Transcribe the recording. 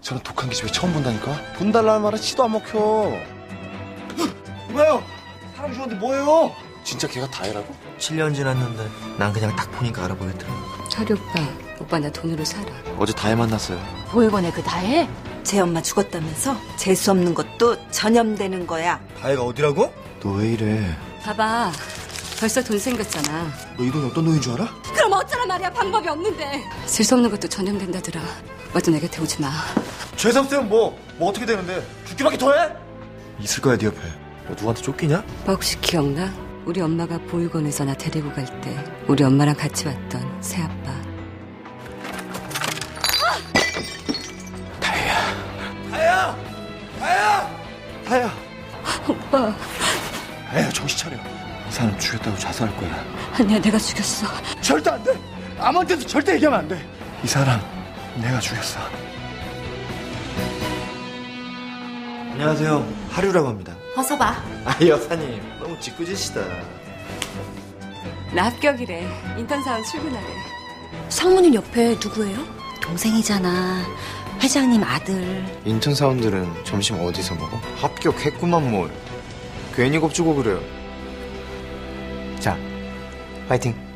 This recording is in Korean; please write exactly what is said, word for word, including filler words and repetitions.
저런 독한 기집애 처음 본다니까? 돈 달라는 말은 치도 안 먹혀. 이봐요! 사람 죽었는데 뭐예요? 진짜 걔가 다혜라고? 칠 년 지났는데 난 그냥 딱 보니까 알아보겠더라. 철이 오빠, 오빠 나 돈으로 살아. 어제 다혜 만났어요. 보육원에 그 다해? 제 엄마 죽었다면서 재수 없는 것도 전염되는 거야. 다혜가 어디라고? 너 왜 이래? 봐봐, 벌써 돈 생겼잖아. 너 이 돈이 어떤 돈인 줄 알아? 그럼 어쩌란 말이야, 방법이 없는데. 쓸 수 없는 것도 전염된다더라. 맞아, 내 곁에 오지 마. 죄수 없으면 뭐, 뭐 어떻게 되는데? 죽기밖에 더 해? 있을 거야, 네 옆에. 너 누구한테 쫓기냐? 오빠 혹시 기억나? 우리 엄마가 보육원에서 나 데리고 갈 때 우리 엄마랑 같이 왔던 새아빠. 다혜야! 다혜야! 다혜야! 오빠. 다혜야, 정신 차려. 이 사람 죽였다고 자수할 거야. 아니야, 내가 죽였어. 절대 안 돼! 아무한테도 절대 얘기하면 안 돼! 이 사람, 내가 죽였어. 안녕하세요. 하류라고 합니다. 어서 봐. 아, 여사님. 너무 짓궂으시다. 나 합격이래. 인턴사원 출근하래. 상무님 옆에 누구예요? 동생이잖아. 회장님 아들. 인턴 사원들은 점심 어디서 먹어? 합격했구만 뭘. 괜히 겁주고 그래요. 자, 파이팅.